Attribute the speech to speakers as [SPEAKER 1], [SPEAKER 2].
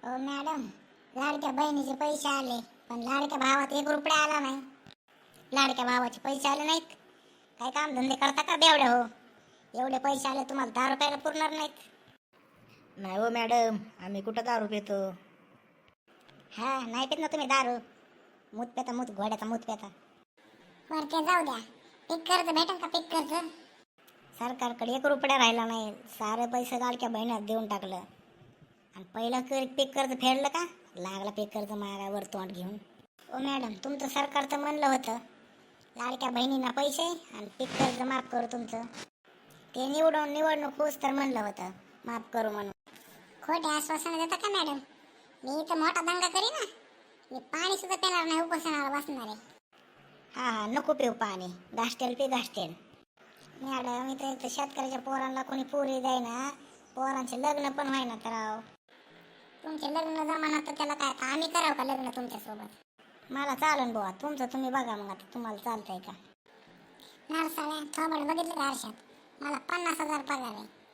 [SPEAKER 1] ओ madam, लाडक्या बहिणीचे पैसे आले, पण लाडक्या भावात 1 रुपया आला नाही. लाडक्या भावाचे पैसे आले नाहीत. काय काम धंदे करता का बेवड्या हो? एवढे पैसे आले तुम्हाला 10 रुपयाला पुरणार नाहीत.
[SPEAKER 2] नाही हो मॅडम, आम्ही कुठं दारू पितो.
[SPEAKER 1] हा, नाही पित ना तुम्ही दारू. मूत पेता, मूत घोड्याचा मूत पेता. बरं ते जाऊ द्या. पीक कर्ज भेटेल का? पीक कर्ज सरकारकडे 1 रुपया राहिला नाही. सारे पैसे लाडक्या बहिणीला देऊन टाकलं. आणि पहिलं पीक कर्ज फेडलं का? लागला पीक कर्ज मागावर तोंड घेऊन. ओ मॅडम, तुमचं सरकार तर म्हणलं होतं लाडक्या बहिणींना पैसे आणि पीक कर्ज माफ करू तुमचं. ते निवडणूक होस तर म्हणलं होतं माफ करू म्हणून. खोटे आश्वासन देता का मॅडम? मी इथं मोठा दंगा करी ना. मी पाणी सुद्धा पिणार नाही, उपोषणाला बसणार आहे. हा, नको पिऊ पाणी. घासतेल पी घासतेल. मॅडम, इथं शेतकऱ्याच्या पोरांना कोणी पोरी द्यायना. पोरांचे लग्न पण व्हायना तर राव. तुमचे लग्न जमाना तर त्याला काय आम्ही करावं का लग्न तुमच्यासोबत? मला चालन बुवा, तुमचं तुम्ही बघा मग. आता तुम्हाला चालतंय का? नरसाळ्या थोबड बघितलं का आरशात? मला 50,000 पगार आहे.